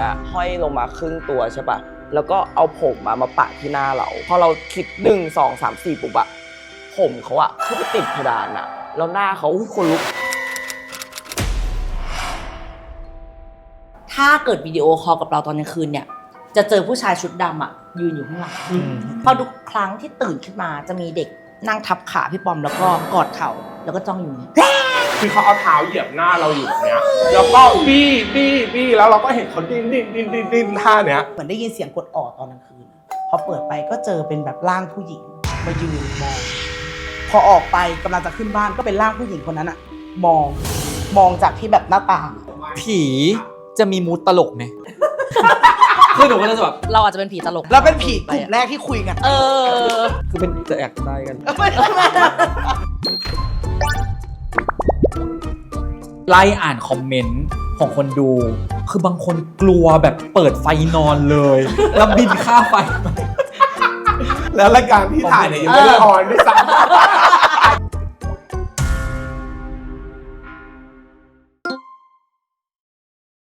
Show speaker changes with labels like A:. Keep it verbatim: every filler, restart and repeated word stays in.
A: อะห้อยลงมาครึ่งตัวใช่ปะแล้วก็เอาผมมามาปะที่หน้าเราพอเราคิดหนึ่งสองสามสี่ปุ๊บอะผมเขาอะขึ้นไปติดเพดานอะแล้วหน้าเขาคนลุก
B: ถ้าเกิดวิดีโอคอลกับเราตอนกลางคืนเนี่ยจะเจอผู้ชายชุดดำอ่ะยืนอยู่ข้างหลังพอทุกครั้งที่ตื่นขึ้นมาจะมีเด็กนั่งทับขาพี่ปอมแล้วก็กอดเข่าแล้วก็จ้องอยู่เนี่ย
C: คือเขาเอาเท้าเหยียบหน้าเราอยู่แบบเนี้ยแล้วก็บี้บี้บี้แล้วเราก็เห็นเขาดิ้นดิ้นดิ้นดิ้นดิ้นท่าเนี้ย
D: เหมือนได้ยินเสียงกดออดตอนกลางคืนพอเปิดไปก็เจอเป็นแบบร่างผู้หญิงมายืนมองพอออกไปกำลังจะขึ้นบ้านก็เป็นร่างผู้หญิงคนนั้นอะมองมองจากที่แบบหน้าต่าง
E: ผีจะมีมูดตลกไหม คือหนูก็จะแบบ
B: เราอาจจะเป็นผีตลก
D: แล้วเป็นผีกลุ่มแรกที่คุยกัน
B: เออ
E: คือเป็นจะแอกได้กันไล่อ่านคอมเมนต์ของคนดูคือบางคนกลัวแบบเปิดไฟนอนเลยแล้วบินค่าไฟ
C: แล้วรายการที่ถ่ายเนี่ยยังไม่ได้ออนด้วยซ้ำ